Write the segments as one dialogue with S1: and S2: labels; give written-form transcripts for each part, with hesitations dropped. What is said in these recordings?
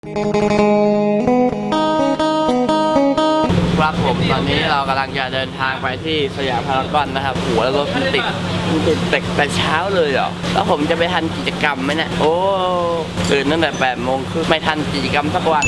S1: ครับผมตอนนี้เรากำลังจะเดินทางไปที่สยามพารากอนนะครับหัวแล้วรถมันติดแต่เช้าเลยเหรอแล้วผมจะไปทันกิจกรรมไหมเนี่ยโอ้ตื่นตั้งแต่8 โมงครึ่งไม่ทันกิจกรรมสักวัน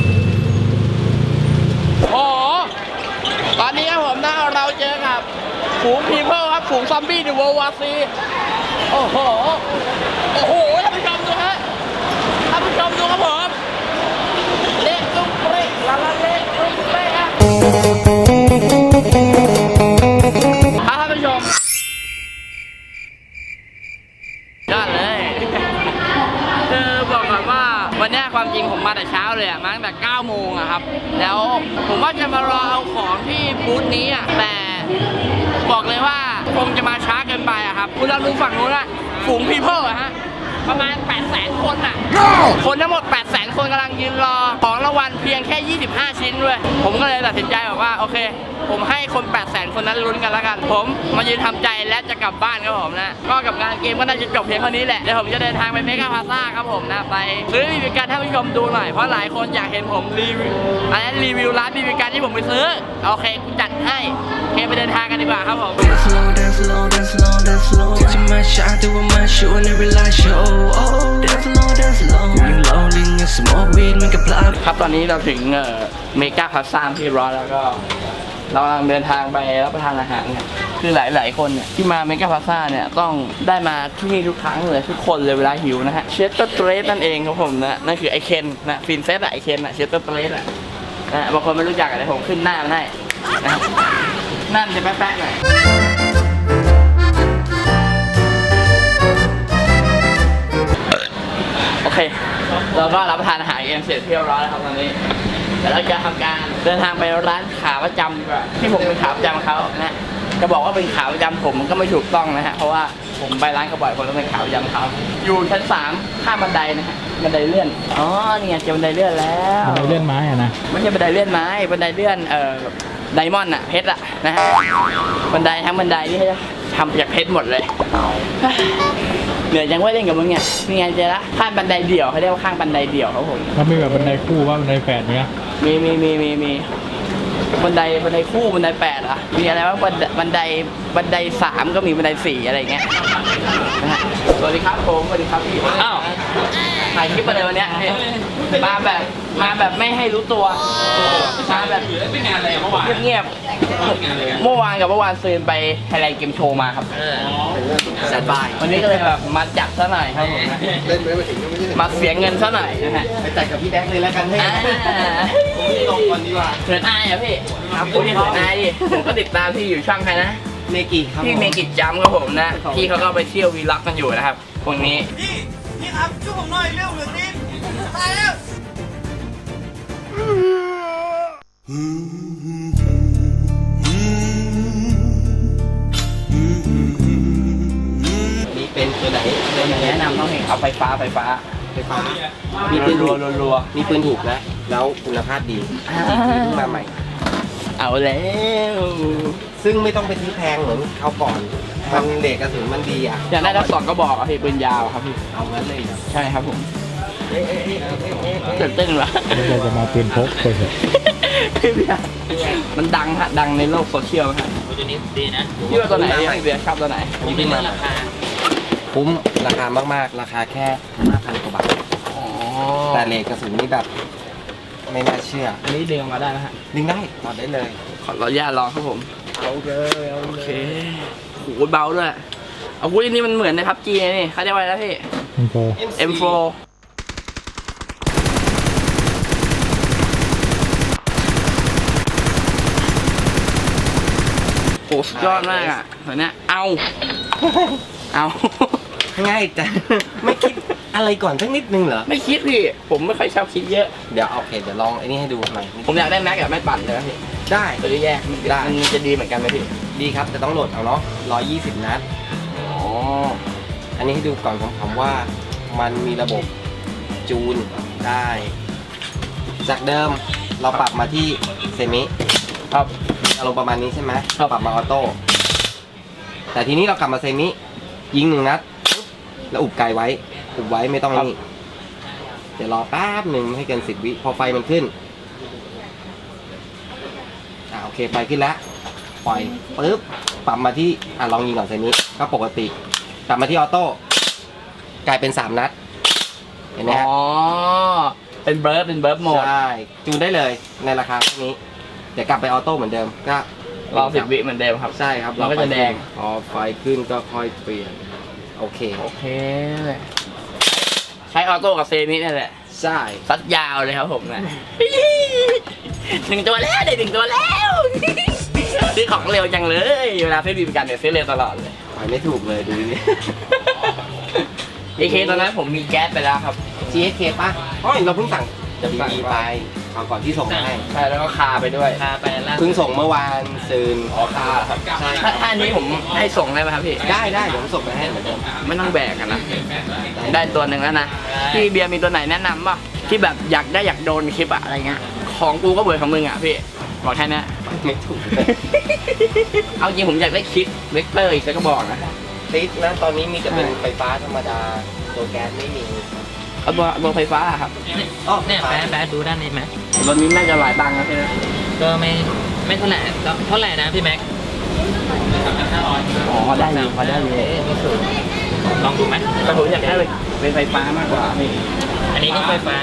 S1: โอ้ตอนนี้ครับผมนะเราเจอกับฝูงพีเพิลครับฝูงซอมบี้ในเวิลด์วอร์ซีโอ้โหท่านผู้ชมดูฮะท่านผู้ชมดูครับผมเละตุ้มเปรี้ยละเละตุ้มเปรี้ยท่านผู้ชมยอดเลยคือบอกก่อนว่าวันนี้ความจริงผมมาแต่เช้าเลยมาตั้งแต่9 โมงครับแล้วผมว่าจะมารอเอาของที่บูธนี้แต่บอกเลยว่าคงจะมาช้าเกินไปครับคุณลองดูฝั่งนู้นนะฝูงพีเพิลฮะประมาณ 800,000 คนคนทั้งหมด 800,000 คนกำลังยืนรอของรางวัลเพียงแค่25 ชิ้นด้วยผมก็เลยตัดสินใจบอกว่าโอเคผมให้คน 800,000 คนนั้นลุ้นกันแล้วกันผมมายืนทำใจและจะกลับบ้านครับผมนะก็กับงานเกมก็น่าจะจบเพียงเท่านี้แหละเดี๋ยวผมจะเดินทางไปเมกาพลาซ่าครับผมนะไปซื้อบีบีกันให้ผู้ชมดูหน่อยเพราะหลายคนอยากเห็นผมรีวิวร้านบีบีกันที่ผมไปซื้อโอเคกูจัดให้โอเคไปเดินทางกันดีกว่าครับผมครับตอนนี้เราถึงเมกาพลาซ่าที่รอแล้วก็เรากำลังเดินทางไปรับประทานอาหารเนี่ยคือหลายคนเนี่ยที่มาเมกาพลาซ่าเนี่ยต้องได้มาที่นี่ทุกครั้งเลยทุกคนเลยเวลาหิวนะฮะเชสเตอร์เทรสนั่นเองครับผมนะนั่นคือไอเคนนะฟินเซตไอเคนเชสเตอร์เทรสนะบางคนไม่รู้จักอะไรผมขึ้นหน้ามันให้นะนั่นจะแป๊ะๆหน่อยโอเคเราก็รับประทานอาหารเองเสร็จเรียบร้อยแล้วครับตอนนี้แต่เราจะทำการเดินทางไปร้านขาประจำดีกว่าที่ผมเป็นขาประจำเขานะจะบอกว่าเป็นขาประจำผมมันก็ไม่ถูกต้องนะฮะเพราะว่าผมไปร้านเขาบ่อยคนต้องเป็นขาประจำเขาอยู่ชั้น3ข้ามบันไดนะฮะบันไดเลื่อนอ๋อนี่ไงเจอบันไดเลื่อนแล้ว
S2: บันไดเลื่อนไม้อะนะ
S1: ไม่ใช่บันไดเลื่อนไม้บันไดเลื่อนไดมอนด์เพชรนะฮะบันไดทั้งบันไดที่ทำจากเพชรหมดเลยเหนื่อยจังว่าเล่นกับมึงเนี่ยนี่ไงเจอละข้างบันไดเดี่ยวเขาเรียกว่าข้างบันไดเดี่ยวครับผม
S2: แล้วมีแบบบันไดคู่ว่าบันไดแฝดเนี้ย
S1: มีบันไดคู่บันได8มีอะไรว่าบันได3ก็มีบันได4อะไรเงี้ยสวัสดีครับผมสวัสดีครับพี่อ้าวถ่ายคลิปมาเลยวันนี้มาแบบไม่ให้รู้ตัวมาแบบเงียบเมื่อวานซืนไปไทยแลนด์เกมโชว์มาครับแซดบายวันนี้ก็เลยแบบมาจัดซะหน่อยครับผมมาเสียเงินซะหน่อยนะฮะ
S3: ไปจัดกับพี่แดกเลยแล้วกันให้ผมลงก่อนดีกว่า
S1: เขินอายอ่ะพี่ครับพูดที่เขินอายดิผมก็ติดตามที่อยู่ช่องใครนะ
S3: เมกิครับ
S1: พี่เมกิจัมครับผมนะพี่เขาก็ไปเที่ยววีล็อกกันอยู่นะครับพวกนี้
S3: พี่ครับช่วยผมหน่อยเร็วเหลือนิดตายแล้ว
S1: นี่เป็นตัวไหนแนะนำต้องเห็นเอาไฟฟ้า
S3: มีปืนรัวมีปืนถูกนะแล้วคุณภาพดีเพิ่งมาใหม่
S1: เอาแล้ว
S3: ซึ่งไม่ต้องไปซื้อแพงเหมือนคราวก่อนมันเด็กกระสุนมันดี
S1: อยากได้ทั้ง2 กระบอกพี่ปืนยาวครับพี่
S3: เอางั้นเลย
S1: ใช่ครับผมตื่นเต้นวะ
S2: เราจะมาปืนพกไปเถอะ
S1: พี่เบียร์มันดังในโลกโซเชียลครับ
S3: ตัวนี้ดีนะ
S1: พี่ว่าตัวไหนพี่เบียร์ชอบตัวไหน
S3: ผมเป็นราคาคุ้มราคามากๆราคาแค่ 5,000 กว่าบาทแต่เลทกระสุนนี่แบบไม่น่าเชื่อ
S1: อันนี้ดึงออกมาได้นะฮะ
S3: ดึงได้ถอดได้เลย
S1: ขออนุญาตลองครับผม
S3: เอาเลย
S1: โอเคโหเบาด้วยอาวุธนี้มันเหมือนในพับจีนี่เขาเรียกว่าอะไรนะพี่ M4 โอ้สุดยอดมากอ่ะเหมือนเนี้ยเอา
S3: ง่ายแต่ไม่คิดอะไรก่อนสักนิดนึงเหรอ
S1: ไม่คิดพี่ผมไม่ค่อยชอบคิดเยอะ
S3: เดี๋ยวโอเคเดี๋ยวลองไอ้นี่ให้ดูหน่อย
S1: ผมอยากได้แม็กกับแม็กปั่นเลยพี่
S3: ได้
S1: ตัวแยกได้มันจะดีเหมือนกันไหมพี่
S3: ดีครับแต่ต้องโหลดเอาเนาะ120 นัดอันนี้ให้ดูก่อนผมว่ามันมีระบบจูนได้จากเดิมเราปรับมาที่เซมิ
S1: ครับ
S3: อารมณ์ประมาณนี้ใช่ไหมปรับมาออโต้แต่ทีนี้เรากลับมาเซมิยิง1 นัดแล้วอุบไกลไว้ไม่ต้องนี่เดี๋ยวรอแป๊บหนึ่งให้เกิน10 วิพอไฟมันขึ้นโอเคไฟขึ้นแล้วปล่อยปึ๊บปรับมาที่ลองยิงก่อนเซนี้ก็ปกติปรับมาที่ออโต้กลายเป็น3 นัดเห็นไหม
S1: อ๋
S3: ฮะ
S1: อเป็นเบิร์ดโหมด
S3: ใช่จูนได้เลยในราคาเท่านี้เดี๋ยวกลับไปออโต้เหมือนเดิมก็
S1: รอ10 วิเหมือนเดิมครับ
S3: ใช่ครับ
S1: มันก็จะแดง
S3: พอไฟขึ้นก็ค่อยเปลี่ยนโอเค
S1: โอเคใช้ออโต้กับเซมินี่แหละ
S3: ใช่
S1: ซัดยาวเลยครับผมนะ 1 ตัวแล้วได้1 ตัวแล้วซื้อของเร็วจังเลยเวลาซื้อบีบีกันเนี่ยซื้อเร็วตลอดเลย
S3: ไปไม่ถูกเลยดูดิ
S1: AK ตอนนั้นผมมีแก๊สไปแล้วครับ
S3: GSK ป่ะอ๋อเราเพิ่งสั่ง WD ไปเอาก่อนที่ส่งมาให้
S1: ใช่แล้วก็คาไปด้วย
S4: พาไปล่า
S3: เพิ่งส่งเมื่อวานซืน
S1: อ๋อคาครับ
S3: ใช่
S1: ถ้าอันนี้ผมให้ส่งได้ไหมครับพี่
S3: ได้เดี๋ยวผมส่งไปให้เหมือนเดิม
S1: ไม่ต้องแบกกันนะได้ตัวหนึ่งแล้วนะพี่เบียร์มีตัวไหนแนะนำป่ะที่แบบอยากโดนคลิปอะอะไรเงี้ยของกูก็เบื่อของมึงอะพี่บอกแค่นี้
S3: ไม่ถูกเลย
S1: เอาจริงผมอยากได้คลิปเวกเตอร์อีกสักกระบอกนะ
S3: ติดนะตอนนี้มีแต่เป็นไฟฟ้าธรรมดาตัวแก๊สไม่มี
S1: เอาตัวไฟฟ้าอะครับ
S3: อ๋อ
S4: เนี่ยแป๊บดูด้านนี้ไหม
S1: รถนี้น่าจะหลายตังค์นะพี่นะ
S4: ก็ไม่เท่าไหร่เท่าไหร่นะพี่แม็ก
S1: อ๋อได้อยู่พอได้อยู่
S4: ไม่สูงลองดูไหม
S1: แต่ผมอยากได้เป็นไฟฟ้ามากกว่าพี่
S4: อันนี้ก็ไฟฟ้า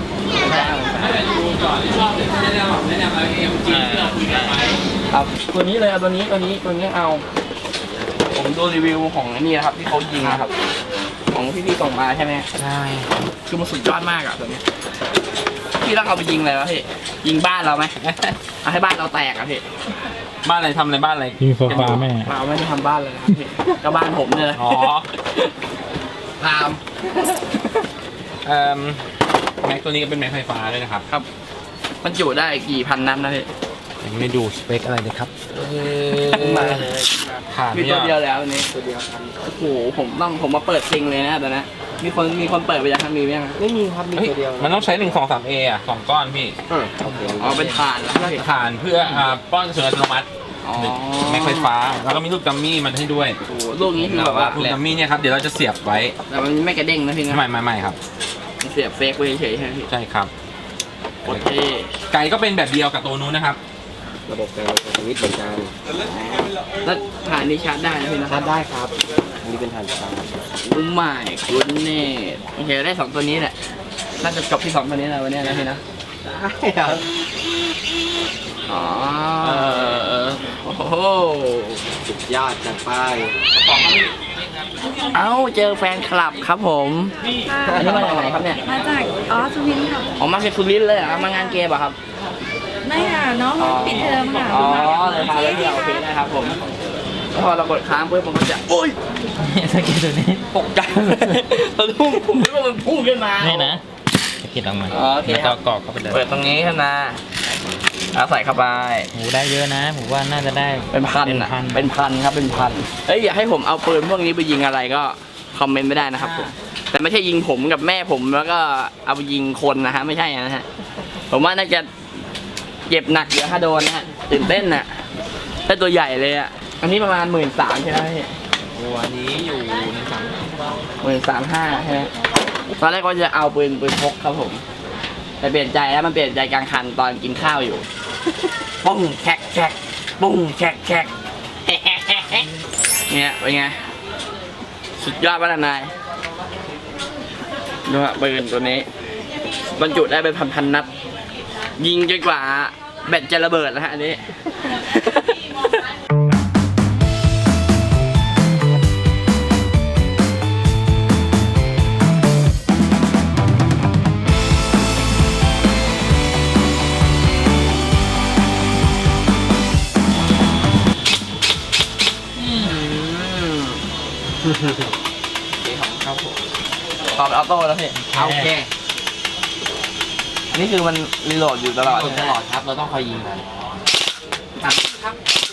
S1: ครับตัวนี้เลยเอาตัวนี้เอา ผมดูรีวิวของนี่นะครับที่เขายิงนะครับ ของพี่ส่งมาใช่ไหม
S4: ใช่
S1: คือมันสุดยอดมากอะตัวนี้พี่ต้องเอาไปยิงอะไรวะพี่ยิงบ้านเราไหมเอาให้บ้านเราแตกอะพี่
S4: บ้านอะไรทำอะไรบ้านอะไร
S2: ยิงโซฟาแม่
S1: เราไม่ได้ทำบ้านเลยนะครับพี่ก็บ้านผมเนี่ย
S4: อ๋อ
S1: ตาม
S4: แม็กตัวนี้ก็เป็นแม็กไฟฟ้าด้วยนะครับ
S1: ครับ มันจุได้กี่พันนัดนะพี่
S4: ยังไม่ดูสเปคอะไรเลยครับ
S3: มาเลย
S4: ผ่าน
S1: มี
S4: ไม่
S1: ตัวย
S4: อด
S1: เดียวแล้วอันนี้
S3: ตัวเดียวครับ
S1: โอ้โหผมมาเปิดซิงเลยนะตอนนั้นมีคนเปิดไปยังครับมีไหมยัง
S3: ไม่มีครับมี
S4: เฮ้ย
S3: ตัวเดียว
S4: มันต้องใช้1 2 3 A อ่ะ2 ก้อนพี่
S3: โอเค
S1: อ๋อเป็นฐานแล้วพี่
S4: ฐานเพื่อป้อนกระสุนอัตโนมัติ
S1: อ๋อ
S4: แม็กไฟฟ้า แล้วก็มีลูกดัมมี่มันให้ด้วย
S1: โอ้โหลูกนี้คือแบบว่า
S4: ลูกดัมมี่เนี่ยครับเดี๋ยวเราจะเสียบไว้
S1: แต่มันไม่กระเด้งนะพี่นะ
S4: ไม่ครับ
S1: มันเสียบเฟกไว้เฉยๆใช่ไหมพี่
S4: ใช่ครับ
S1: โอเค
S4: ไก่ก็เป็นแบบเดียวกับตัวนู้นนะครับ
S3: ระบบการสวิตช์เหมือนกัน
S1: แล้วฐานนี้ชาร์จได้นะพี่นะ
S3: ชาร์จได้ครับอันนี้เป็นฐานชาร์จ
S1: อุ้มใหม่คุณเน่โอเคได้2ตัวนี้แหละน่าจะจบที่2ตัวนี้แล้ววันนี้นะพี่นะ
S3: ได้ครับ
S1: อ๋อโอ้โห
S3: สุดยอดจัดไป
S1: เอ้าเจอแฟนคลับครับผมอันนี้มาจากไหนครับเนี่ย
S5: มาจากสุวินทร์ค่ะ
S1: อ๋อมาจากสุรินทร์เลยเหรอครับมางานเกมเหรอครับ
S5: ไม่ค่ะน้องปิดเทอมค่ะ
S1: อ๋อเลยพาเลยเดียวโอเคนะครับผมแล้วพอเรากดค้างปุ๊บมันก็จะโอ๊ย
S4: สกิลตัวนี้
S1: ตกใจตะลุ่มผมนึกว่ามันพุ่งขึ้นมา
S4: นี่นะสกิลออกมา
S1: อ๋อโอเค
S4: แล้ว
S1: ค
S4: ก็
S1: รับ
S4: กรอกเข้าไปเลย
S1: เปิดตรงนี้ขึ้นมาเอาใส่เข้าไป
S4: โหได้เยอะนะผมว่าน่าจะได้
S1: เป็นพันอ่ะเป็นพันครับเป็นพันเอ้ยอยากให้ผมเอาปืนพวกนี้ไปยิงอะไรก็คอมเมนต์ไม่ได้นะครับผมแต่ไม่ใช่ยิงผมกับแม่ผมแล้วก็เอาไปยิงคนนะฮะไม่ใช่นะฮะผมว่าน่าจะเจ็บหนักเดี๋ยวถ้าโดนนะฮะตื่นเต้นน่ะได้ตัวใหญ่เลยอ่ะอันนี้ประมาณ13,000ใช่ไหมพี่
S4: ตัวนี้อยู่ในสัง
S1: 13,500ใช่ไหมตอนแรกก็จะเอาปืนพกครับผมแต่เปลี่ยนใจแล้วมันเปลี่ยนใจกลางคันตอนกินข้าวอยู่ ปุ้งแฉกปุ้งแฉกเนี่ยเป็นไงสุดยอดป่ะนายดูฮะปืนตัวนี้บรรจุได้เป็นพันนัดยิงจนกว่าแบตจะระเบิดนะฮะอันนี้ ครับผมตอบออโต้แล้วพี่
S3: โอเค
S1: นี่คือมันรีโหลดอยู่ตลอด
S3: ตลอดครับเราต้องคอยยิงมันครับครับ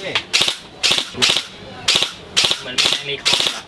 S4: เหมือนในรีคอมอะ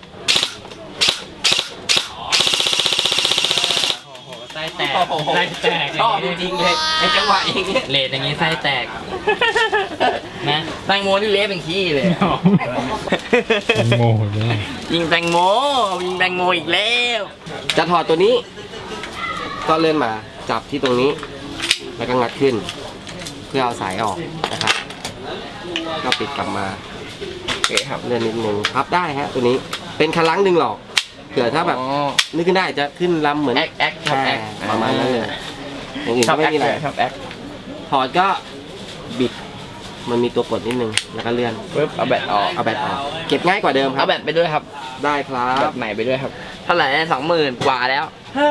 S4: โอ้โหไส้แตกไส้แตก
S3: ชอบจริงๆเลยไอ้จังหวะอย่างเงี้ย
S4: เลดอย่างนี้ไส้แตกนะ
S1: แตงโมนี่เละเป็นขี้เลย
S2: แตงโมเลย
S1: ยิงแตงโมยิงแตงโมอีกแล้ว
S3: จะถอดตัวนี้ก็เลื่อนมาจับที่ตรงนี้ แล้วก็งัดขึ้น เพื่อเอาสายออกนะครับ ก็ปิดกลับมาโอเคครับเลื่อนนิดนึงพับได้ฮะตัวนี้เป็นคันลังดึงหลอกเผื่อถ้าแบบนึกขึ้นได้จะขึ้นลำเหมือน
S1: แอคครับแอค
S3: ประมาณนั้นเลยอย่างอื่นก็ไม่มีอะไร
S1: ชอบแอค
S3: ถอดก็บิดมันมีตัวกดนิดนึงแล้วก็เลื่อน
S1: ปึ๊บเอาแบตออก
S3: เอาแบตออกเก็บง่ายกว่าเดิมครั
S1: เอา
S3: บ
S1: แบตไปด้วยครับ
S3: ได้ครั
S1: แบบ บใหม่ไปด้วยครับเท่าไหร่20,000 กว่าแล้ว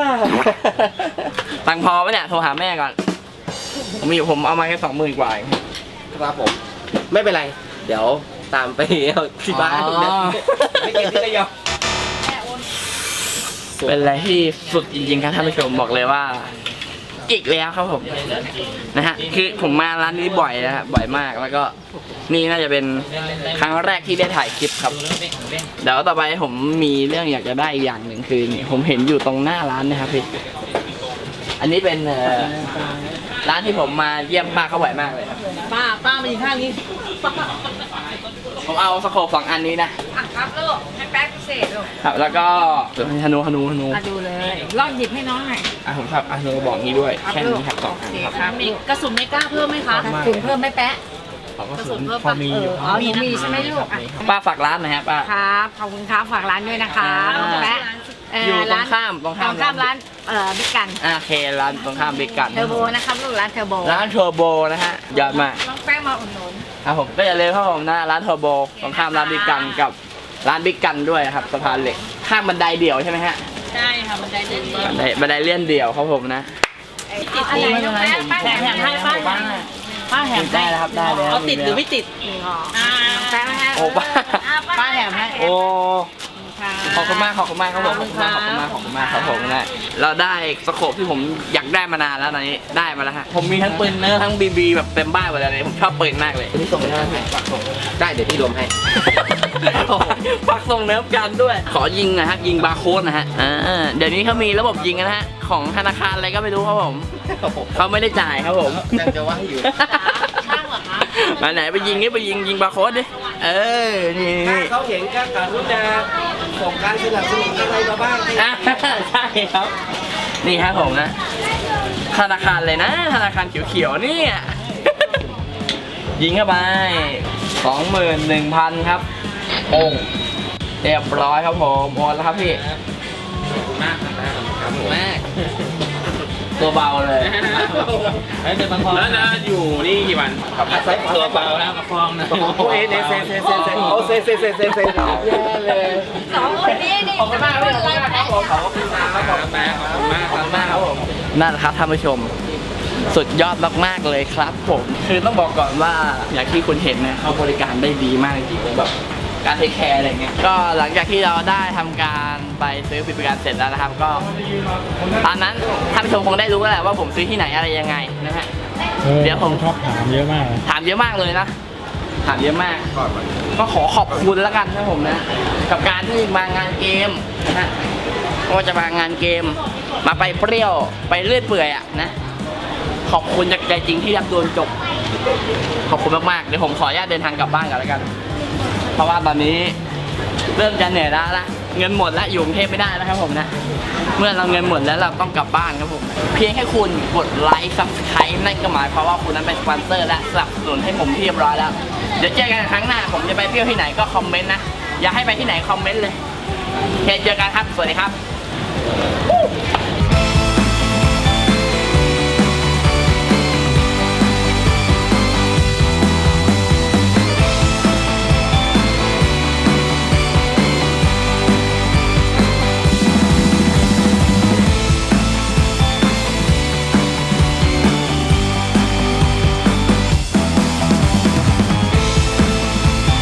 S1: ตังค์พอไหมเนี่ยโทรหาแม่ก่อนผมเอามาแค่20,000 กว่าเอง
S3: ครับผมไม่เป็นไร เดี๋ยวตามไปเอาที่บ้าน
S1: อ๋อ
S3: นะไม่เกี่ยวที่ระยอง
S1: เป็นอะไรที่สุดจริงๆครับท่านผู้ชมบอกเลยว่าอีกแล้วครับผมนะฮะคือผมมาร้านนี้บ่อยนะฮะบ่อยมากแล้วก็นี่น่าจะเป็นครั้งแรกที่ได้ถ่ายคลิปครับเดี๋ยวต่อไปผมมีเรื่องอยากจะได้อีกอย่างหนึ่งคือนี่ผมเห็นอยู่ตรงหน้าร้านนะครับพี่อันนี้เป็นร้านที่ผมมาเยี่ยมป้าเขาบ่อยมากเลยครับ
S5: ป้ามาอยู่ข้างนี้
S1: ผมเอาสโคป2 อันนี้นะ
S5: ครับลูกให้แป๊กพิเศษลูก
S1: ครับแล้วก็ฮนู
S5: ดูเลยลองหยิบให้น้องหน่อย
S1: ผมครับฮนูบอกนี้ด้วยแค่นี้ครับ2 อันครับ
S5: ครับมีกระสุนไม่กล้าเพิ่มไหมคะกระสุนเพิ่มไหมแป๊ะ
S1: ของก็
S5: กระ
S1: สุ
S5: สุ
S1: น
S5: นเพิ่ม
S2: พอ
S5: ปะ
S2: มี
S5: อ๋อหนูมีใช่ไหมลูกอ่ะ
S1: ป้าฝากร้านหน่อยฮะป้า
S5: ครับขอบคุณครับฝากร้านด้วยนะคะแป๊ะ
S1: อยู่ตรง
S5: ร้าน
S1: ข้าม
S5: ตรงข้ามร้านบิ๊กกัน
S1: โอเคร้านตรงข้ามบิ๊กกัน
S5: เทอร์โบนะครับลูกร้านเทอร์โบ
S1: ร้านเทอร์โบนะฮะยอดมาก
S5: น้องแป้งมาอุดหนุน
S1: ครับผมก็อย่าลืมครับผมนะร้านเทอร์โบตรงข้ามร้านบิ๊กกันกับร้านบิ๊กกันด้วยครับสะพานเหล็กข้ามบันไดเดี่ยวใช่ไหมฮะ
S5: ใช่ค่ะบันไดเลื่อน
S1: บันไดเลื่อนเดี่ยวครับผมนะ
S5: ติดอะไรน้องแป้งป้าแถมให้ป้าแถม
S1: ได้แล้วครับได้แล้ว
S5: เอาติดหรือไม่ติดแป้งให้
S1: โอ้ป้า
S5: ป้าแถมให้
S1: โอ้ขอบคุณมากครับผมขอบคุณมากครับผมนะเราได้สโคปที่ผมอยากได้มานานแล้วตอนนี้ได้มาแล้วฮะผมมีทั้งปืนเนื้อทั้งบีแบบเต็มบ้านหมดเลยผมชอบปืนมากเลยนี่ส่งได้ไหมฝากส่ง
S3: ได้เดี๋ยวพี่รวมให้
S1: ฝากส่งเนื้อกันด้วย ขอยิงนะฮะยิงบาร์โค้ดนะฮะเดี๋ยวนี้เขามีระบบยิงนะฮะของธนาคารอะไรก็ไม่รู้ครับผมเขาไม่ได้จ่ายครับผม
S3: ยังจะว่าอยู่
S5: ช่างเหรอคะ
S1: มาไหนไปยิงนี่ไปยิงบาร์โค้ดดินี่
S3: ถ้าเขาเห็นก็กรุณาส่งการสนับสนุนอะไรมาบ้าง
S1: อ่ะใช่ครับ นี่ครับผมนะธนาคารเลยนะธนาคารเขียวๆเนี่ยยิงเข้าไป 21,000 ครับโอ้เรียบร้อยครับผมโอนแล้วครับพี่มากตัวเบาเลย
S4: แล้วนะอยู่นี่กี่วัน
S3: ตัวเปล่านะมาฟองนะโอ้ยเซเซโอ้เซแย่เลย
S5: สองคนนี้นี่
S1: ขอบคุณมากครับผมขอบคุณมากครับผมนั่นแหละครับท่านผู้ชมสุดยอดมากๆเลยครับผมคือต้องบอกก่อนว่าอย่างที่คุณเห็นนะเขาบริการได้ดีมากจริงๆแบบการเทคแคร์อะไรเงี้ยก็หลังจากที่เราได้ทำการไปซื้อบริการเสร็จแล้วนะครับก็ตอนนั้นท่านผู้ชมคงได้รู้แล้วแหละว่าผมซื้อที่ไหนอะไรยังไงนะฮะ เดี๋ยวผม
S2: ชอบถามเยอะมากเลย
S1: ถามเยอะมากเลยนะถามเยอะมากก็ขอขอบคุณแล้วกันนะผมนะกับการที่มางานเกมนะฮะก็จะมางานเกมมาไปเปรี้ยวไปเลื่อยเปื่อยอะนะขอบคุณจากใจจริงที่รับโดนจบขอบคุณมากๆเดี๋ยวผมขออนุญาตเดินทางกลับบ้านกันแล้วกันเพราะว่าตอนนี้เริ่มจะเหนื่อยแล้วละเงินหมดแล้วอยู่กรุงเทพไม่ได้แล้วครับผมนะเมื่อเราเงินหมดแล้วเราต้องกลับบ้านครับผมเพียงแค่คุณกดไลค์ Subscribe นั่นก็หมายความว่าคุณนั้นเป็นสปอนเซอร์และสนับสนุนให้ผมเรียบร้อยแล้วเดี๋ยวเจอกันครั้งหน้าผมจะไปเที่ยวที่ไหนก็คอมเมนต์นะอยากให้ไปที่ไหนคอมเมนต์เลยโอเคเจอกันครับสวัสดีครับ